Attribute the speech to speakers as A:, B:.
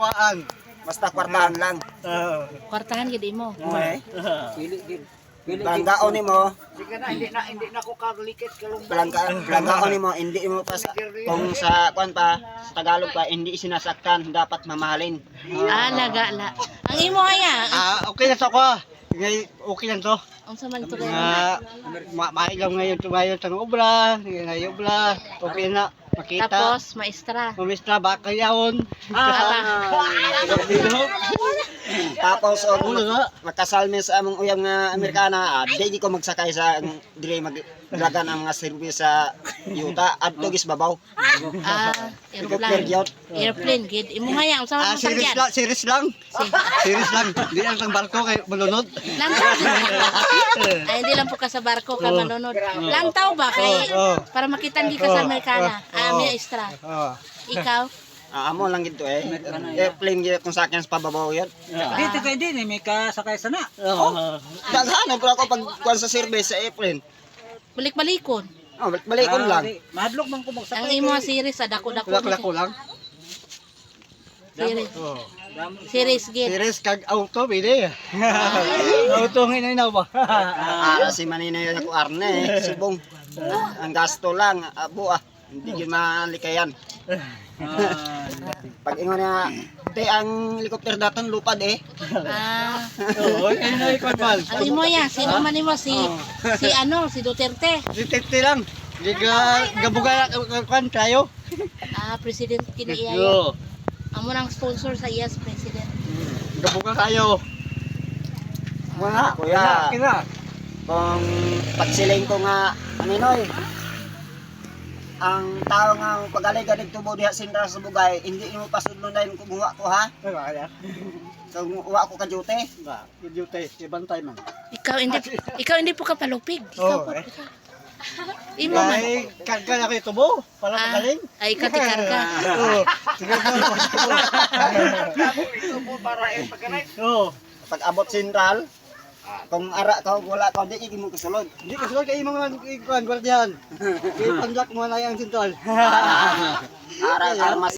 A: kuhaan.
B: Basta kwartahan lang.
C: Kwartahan gid imo.
B: Palanggaon nimo,
A: Sige na, hindi na ako kalikit kalong.
B: palanggaon nimo, hindi mo pa kung sa kwan pa, sa Tagalog pa, hindi sinasaktan, dapat mamahalin.
C: Nagala. Ang imo haya.
A: Okay na to ko. Okay lang to.
C: Ang sa man to kayo.
A: Maigaw ngayon tumayo sa obra, ngayon obra. Okay na, makita.
C: Tapos maestra.
A: Pumistra ba kayawon?
B: Tapos makasalmi sa among uyang nga Amerikana, di ko magsakay sa dire maglagan ang mga service sa yuta adto gis babaw.
C: Airplane. Airplane gid. Imo haya ang sa man
A: Series
C: sakyan.
A: lang. Series lang. Di lang tang barko kay malunod.
C: Lantaw. Ay hindi lang po ka sa barko ka manunod. Lantaw ba kay para makitan di ka sa Amerikana. Maestra. Ikaw?
B: Amo lang gito airplane gid kung sa akin sa pababaw yan.
D: Dito kayo din, may kasakay sana.
B: Daghan pero ako pag kuan sa service sa airplane.
C: Balik-balikon.
B: Balikon lang.
D: Madlok man ko
C: Ang
D: magsakay.
C: imo series sa dako-dako.
A: Lako lang.
C: Series. Series gid.
A: Series kag auto bide. Auto ngin na ba?
B: Si Maninoy ako arne subong. Ang gasto lang abo hindi gyud malikayan. Pag ingon na ang helicopter daton lupad
A: Oo, ay na ikot mal.
C: Ang imo ya, sino man imo si Duterte.
A: Si Tete lang. Di ka gabuga kan tayo.
C: President kini iya.
A: Yo.
C: Amo nang sponsor sa iyas president.
A: Gabuga kayo.
B: Wala kuya.
A: Kina.
B: Kung pagsiling ko nga Maninoy ang tao nga pagalig-galig tubo diha sindra sa bugay hindi mo pasudlonan kung guwa ko ha kung uwa ko ka duty
A: Ba, duty, ibantay man.
C: Ikaw hindi po ka palupig. Ikaw po. Imo man.
A: Ay, karga na kayo tubo. Para magaling.
C: Ay ikaw ti karga.
A: Sige po.
B: pag abot sentral kung ara ka wala ka di mo kasulod
A: Hindi kasi kayo mga ikuan gwardiyan. Ipanjak mo na yung sintol.
B: ara mas